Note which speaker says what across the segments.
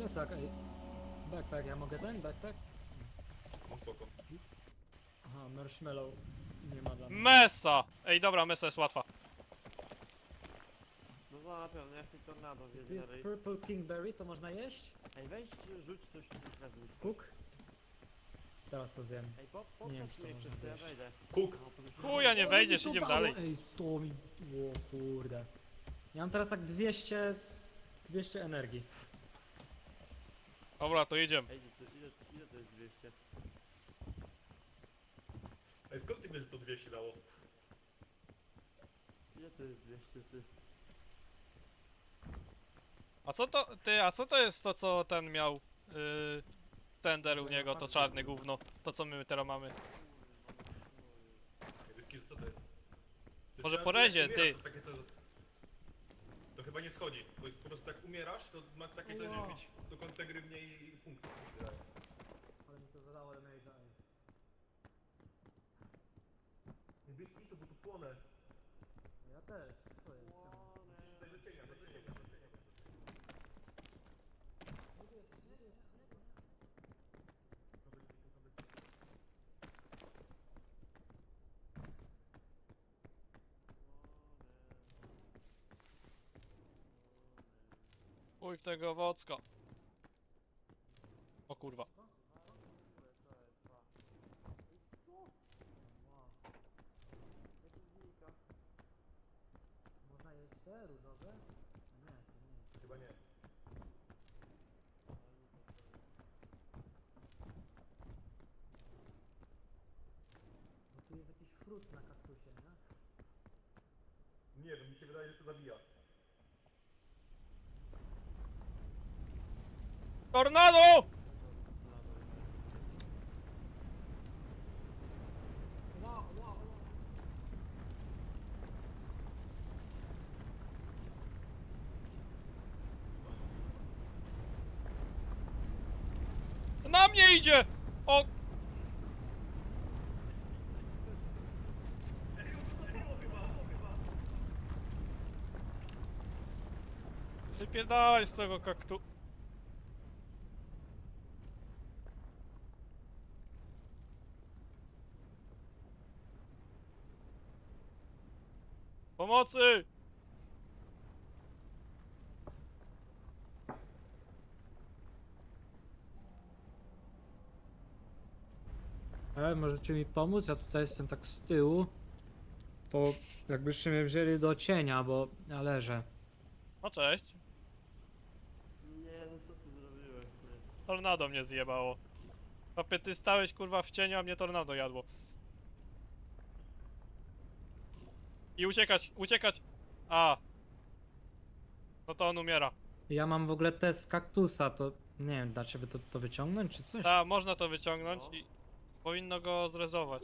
Speaker 1: plecak, ej. Backpack, ja mogę ten backpack?
Speaker 2: No spoko.
Speaker 1: Aha, marshmallow nie ma dla mnie.
Speaker 3: Mesa! Ej, dobra, mesa jest łatwa.
Speaker 4: No na pewno, jak mi tornado
Speaker 1: Tu
Speaker 4: wjedzie na
Speaker 1: jest
Speaker 4: ryj.
Speaker 1: purple kingberry, to można jeść?
Speaker 4: Ej, weź, rzuć coś na dół.
Speaker 1: Cook? Teraz to zjem.
Speaker 4: Ej,
Speaker 1: Nie wiem,
Speaker 4: poprzedź
Speaker 1: czy to
Speaker 4: mnie
Speaker 1: można
Speaker 4: przez co ja
Speaker 1: zjeść.
Speaker 4: wejdę.
Speaker 2: Cook.
Speaker 4: No, podejrz-
Speaker 3: Chuja, nie
Speaker 1: O,
Speaker 3: wejdziesz,
Speaker 1: mi to
Speaker 3: idziemy
Speaker 1: dało,
Speaker 3: dalej.
Speaker 1: Ej, to mi... O kurde. Ja mam teraz tak 200 energii.
Speaker 3: Dobra, to jedziemy.
Speaker 4: Ej, ile to jest 200?
Speaker 2: Ej, skąd ty wiesz, że to 200 dało?
Speaker 4: Ile to jest 200, ty?
Speaker 3: A co to, ty, a co to jest to, co ten miał, tender u niego, to czarne gówno, to co my teraz mamy?
Speaker 2: Ej, Wyski, co to jest? To
Speaker 3: Może
Speaker 2: trzeba-
Speaker 3: po rezie,
Speaker 2: jak umierasz,
Speaker 3: ty.
Speaker 2: To, takie to chyba nie schodzi, bo jest po prostu jak umierasz, to masz takie coś,
Speaker 1: Ojo.
Speaker 2: że mieć do końca gry mniej punktów.
Speaker 1: Ale mi to zadało damage'a.
Speaker 2: Wyski, to bo tu płonę.
Speaker 1: Ja też. Co jest?
Speaker 2: Daj do cienia, do cienia, do cienia.
Speaker 3: Uj w tego owocka. O kurwa.
Speaker 1: Można jeść te różowe? Nie, to nie.
Speaker 2: Chyba nie.
Speaker 1: Bo tu jest jakiś frut na kaktusie, nie?
Speaker 2: Nie wiem, mi się wydaje, że to zabija.
Speaker 3: Tornado!
Speaker 1: Wow.
Speaker 3: Na mnie idzie! O! Wypierdalaj z tego kaktu... Pomocy!
Speaker 1: Możecie mi pomóc? Ja tutaj jestem tak z tyłu. To jakbyście mnie wzięli do cienia, bo ja leżę.
Speaker 3: No cześć.
Speaker 4: Nie, no co ty zrobiłeś, ty?
Speaker 3: Tornado mnie zjebało. Papie, ty stałeś kurwa w cieniu, a mnie tornado jadło. I uciekać, uciekać! A! No to on umiera.
Speaker 1: Ja mam w ogóle te z kaktusa, to nie wiem, dacie wy to wyciągnąć czy coś?
Speaker 3: Ta, można to wyciągnąć
Speaker 4: No.
Speaker 3: i powinno go zrezować.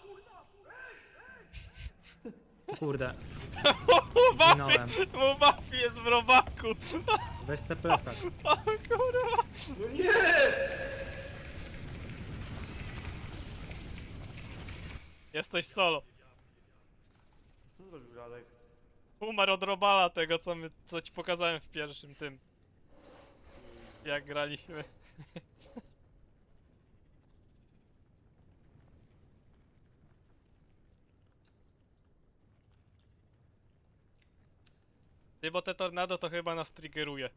Speaker 1: Kurde,
Speaker 3: Mafia!
Speaker 1: zginąłem.
Speaker 3: Bo Mafia jest w robaku!
Speaker 1: Weź se plecak.
Speaker 3: O kurwa!
Speaker 2: No nie!
Speaker 3: Jesteś solo.
Speaker 4: Co zrobił Radek?
Speaker 3: Umarł od robala tego, co ci pokazałem w pierwszym tym. Jak graliśmy. Ty, bo te tornado to chyba nas triggeruje.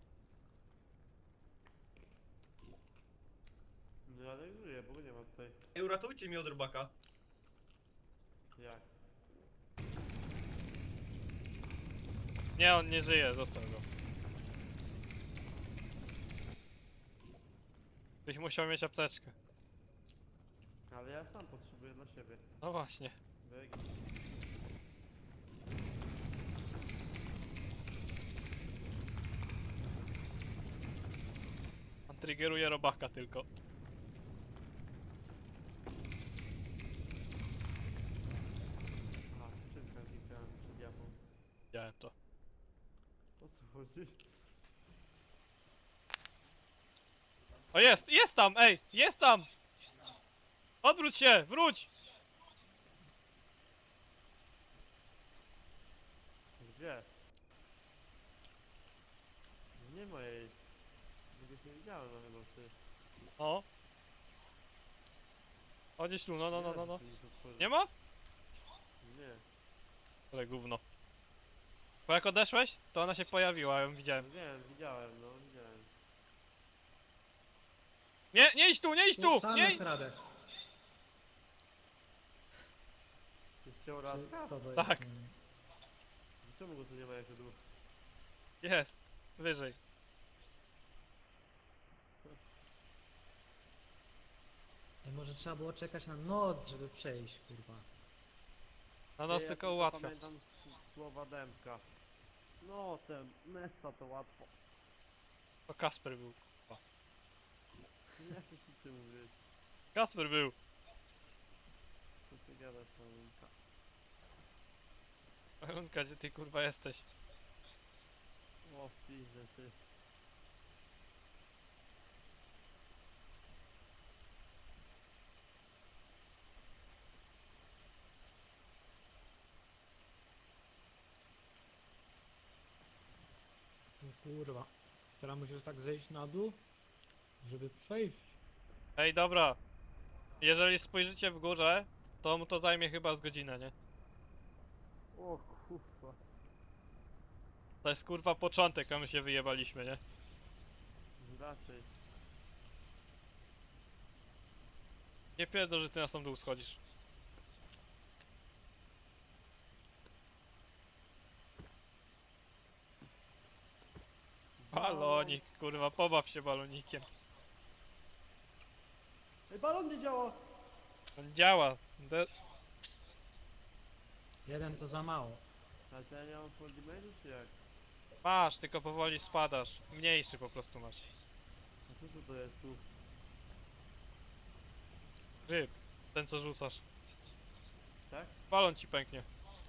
Speaker 4: No Radek żyje, bo go nie ma tutaj.
Speaker 2: Ej, uratujcie mnie od robaka.
Speaker 4: Jak?
Speaker 3: Nie, on nie żyje, zostaw go. Byś musiał mieć apteczkę.
Speaker 4: Ale ja sam potrzebuję dla siebie.
Speaker 3: No właśnie.
Speaker 4: Wyg.
Speaker 3: On triggeruje robaka tylko.
Speaker 4: A, skrzynka zniknęła mi przed japą.
Speaker 3: Widziałem to.
Speaker 4: O co chodzi?
Speaker 3: O jest! Jest tam! Ej! Jest tam! Odwróć się! Wróć!
Speaker 4: Gdzie? Nie ma jej. Czegoś nie widziałem, no chyba ty.
Speaker 3: O. O, gdzieś tu, no.
Speaker 4: Nie da się tu nic otworzyć.
Speaker 3: Nie ma?
Speaker 4: Nie.
Speaker 3: Ale gówno. Bo jak odeszłeś, to ona się pojawiła, ją widziałem.
Speaker 4: No wiem, widziałem, no widziałem.
Speaker 3: Nie idź tu, nie idź tu!
Speaker 1: Tam
Speaker 3: Nie
Speaker 1: jest
Speaker 3: idź!
Speaker 1: Radek.
Speaker 4: Ty chciał
Speaker 1: Czy
Speaker 4: Radka?
Speaker 1: kto to
Speaker 3: Tak.
Speaker 1: jest?
Speaker 4: Czemu go tu nie ma jako dwóch?
Speaker 3: Jest. Wyżej.
Speaker 1: Ej, może trzeba było czekać na noc, żeby przejść, kurwa.
Speaker 3: Na nos
Speaker 4: Ja
Speaker 3: tylko ułatwia.
Speaker 4: pamiętam słowa Dębka. No, ten Nessa to łatwo.
Speaker 3: To Kasper był.
Speaker 4: Nie wiem, co ty mówisz.
Speaker 3: Kasper był.
Speaker 4: Co ty gadasz, Malinka?
Speaker 3: Marunka, gdzie ty kurwa jesteś?
Speaker 4: O, pizdę, ty.
Speaker 1: No kurwa. Teraz musisz tak zejść na dół, żeby przejść.
Speaker 3: Ej, dobra. Jeżeli spojrzycie w górze, to mu to zajmie chyba z godzinę, nie?
Speaker 4: O, kurwa.
Speaker 3: To jest kurwa początek, a my się wyjebaliśmy, nie?
Speaker 4: Raczej.
Speaker 3: Nie pierdol, że ty na sam dół schodzisz. Balonik, kurwa, pobaw się balonikiem.
Speaker 4: Ej, balon nie działa!
Speaker 3: On działa.
Speaker 1: Jeden to za mało.
Speaker 4: Ale to ja nie mam full damage'u, czy jak?
Speaker 3: Masz, tylko powoli spadasz. Mniejszy po prostu masz.
Speaker 4: A co to jest tu?
Speaker 3: Grzyb. Ten co rzucasz.
Speaker 4: Tak?
Speaker 3: Balon ci pęknie.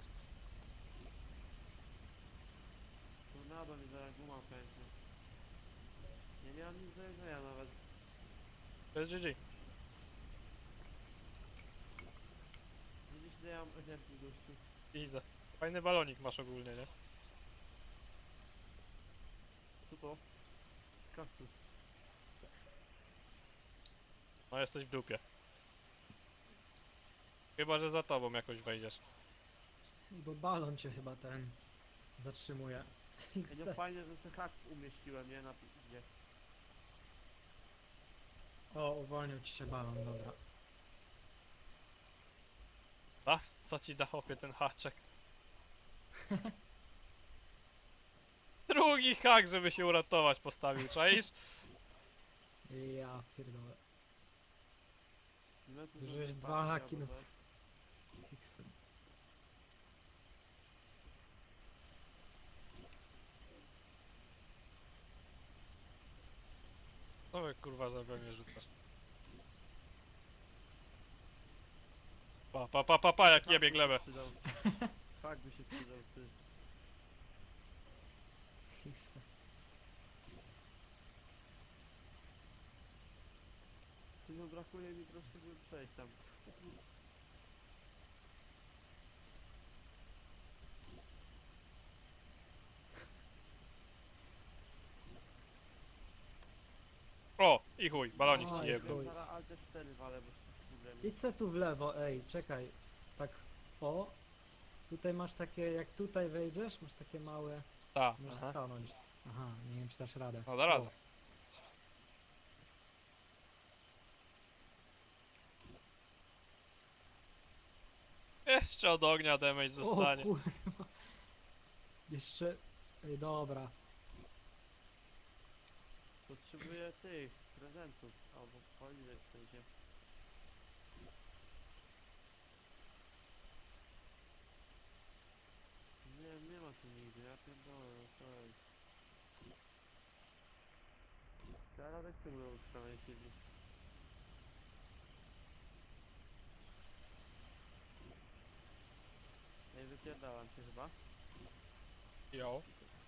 Speaker 4: Tornado mi zaraz guma pęknie. Ja nie mam nic do jedzenia nawet.
Speaker 3: To jest GG.
Speaker 4: Widzisz, ile ja mam energii, gościu.
Speaker 3: Widzę. Fajny balonik masz ogólnie, nie?
Speaker 4: Co to? Kaktus.
Speaker 3: No jesteś w dupie. Chyba, że za tobą jakoś wejdziesz.
Speaker 1: Bo balon cię chyba ten zatrzymuje.
Speaker 4: Ej, no fajnie, że sobie hak umieściłem, nie? Na piździe.
Speaker 1: O, uwolnił ci się balon, dobra.
Speaker 3: A? Co ci da chłopie ten haczek? Drugi hak, żeby się uratować postawił, czaisz?
Speaker 1: Ja pierdolę.
Speaker 4: No to
Speaker 1: Zużyłeś
Speaker 4: sobie
Speaker 1: dwa
Speaker 4: patrzę,
Speaker 1: haki, no.
Speaker 4: albo coś.
Speaker 1: Fiksem.
Speaker 3: No wy kurwa za mnie rzucasz. Pa, jak
Speaker 4: Hak
Speaker 3: jebie
Speaker 4: by się
Speaker 3: glebę.
Speaker 4: przydał. Hak by się przydał, ty.
Speaker 1: Fiksem.
Speaker 4: Ty, no brakuje mi troszkę, żeby przejść tam.
Speaker 3: O! I chuj, balonik
Speaker 1: Oj,
Speaker 3: ci jebnął.
Speaker 1: chuj.
Speaker 4: Zaraz Alt F4 walę, bo się kurde
Speaker 1: Idź se tu w lewo, ej, czekaj. Tak, o. Tutaj masz takie, jak tutaj wejdziesz, masz takie małe...
Speaker 3: Ta,
Speaker 1: Możesz
Speaker 3: aha.
Speaker 1: stanąć. Aha, nie wiem czy dasz radę.
Speaker 3: No da radę.
Speaker 1: O,
Speaker 3: Jeszcze od ognia damage dostanie.
Speaker 1: o kurwa. Jeszcze... Ej, dobra.
Speaker 4: Potrzebuję tych prezentów, albo policzek w sensie. Nie ma tu nigdzie, ja pierdolę, no co jest. Teraz jak ty byłem w samej chwili. Ej, wypierdalam się chyba.
Speaker 3: Jo.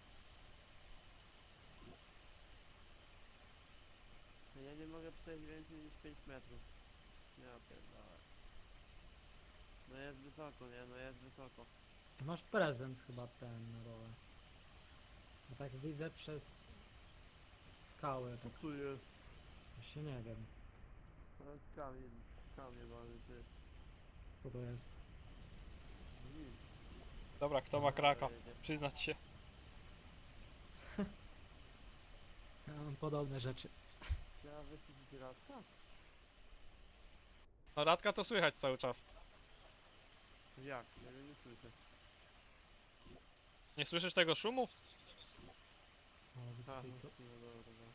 Speaker 4: Ja nie mogę przejść więcej niż 5 metrów. Ja pierdolę. No jest wysoko, nie? No jest wysoko.
Speaker 1: Masz prezent chyba ten na dole. Bo tak widzę przez skałę, tak
Speaker 4: Tu jest.
Speaker 1: właśnie nie wiem,
Speaker 4: Ale kamień mamy, ty.
Speaker 1: co to jest.
Speaker 4: Nic.
Speaker 3: Dobra, kto ma kraka?
Speaker 4: Jedzie.
Speaker 3: Przyznać się.
Speaker 1: Ja mam podobne rzeczy.
Speaker 4: Trzeba wyświetlić radka?
Speaker 3: No Radka to słychać cały czas.
Speaker 4: Jak? Ja go nie słyszę.
Speaker 3: Nie słyszysz tego szumu?
Speaker 1: O,
Speaker 4: Aha,
Speaker 1: wysypij to.
Speaker 4: no dobra, dobra.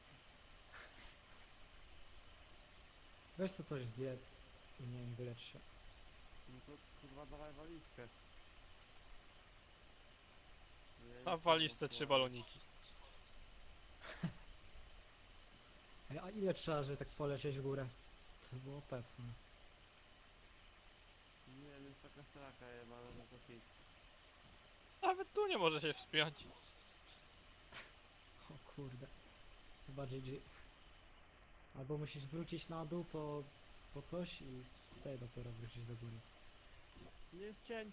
Speaker 1: Weź to coś zjedz i nie wiem, wylecz się.
Speaker 4: No to kurwa dawaj walizkę. Ja
Speaker 3: A
Speaker 4: nie
Speaker 3: w walizce
Speaker 4: mam
Speaker 3: 3
Speaker 4: słowa.
Speaker 3: baloniki.
Speaker 1: Ej, a ile trzeba, żeby tak polecieć w górę? To było pewne.
Speaker 4: Nie wiem, jest taka straka jebana, że to hit.
Speaker 3: Nawet tu nie może się wspiąć.
Speaker 1: O kurde. Chyba GG. Albo musisz wrócić na dół po coś i wtedy dopiero wrócić do góry.
Speaker 4: Nie jest cień.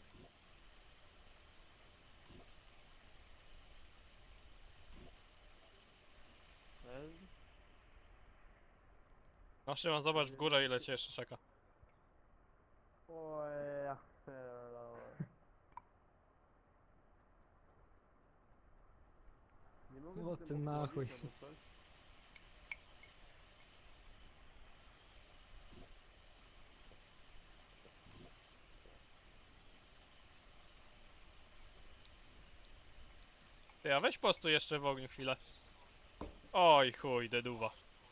Speaker 3: No Szymon, zobacz w górę ile cię jeszcze czeka.
Speaker 4: Oj, ja pierdolę. Nie mogę
Speaker 1: O,
Speaker 4: z tym
Speaker 1: ty na chuj.
Speaker 4: obchodzić albo coś?
Speaker 3: Ty, a weź postu jeszcze w ogniu chwilę. Oj chuj, deduwa.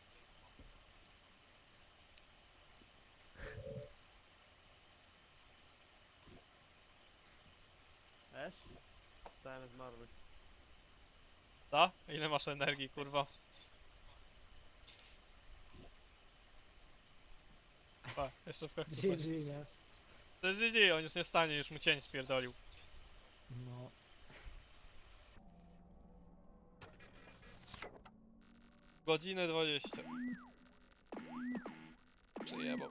Speaker 4: Esz? Stałem zmarły.
Speaker 3: Ta? Ile masz energii, kurwa? Pa, jeszcze w kaktusa.
Speaker 1: GG, nie?
Speaker 3: To jest GG, on już nie wstanie, już mu cień spierdolił.
Speaker 1: No.
Speaker 3: Godzinę 20. Przyjebał.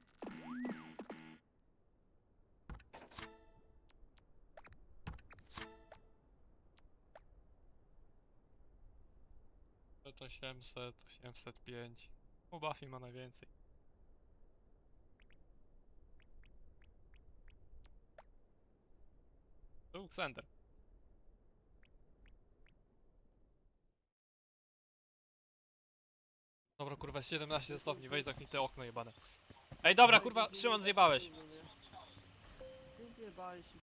Speaker 3: To 800, 805. U Buffy ma najwięcej. Tu Xander. Dobra kurwa, 17 stopni, weź zamknij te okno jebane. Ej dobra kurwa, Szymon zjebałeś.
Speaker 4: Ty zjebałeś i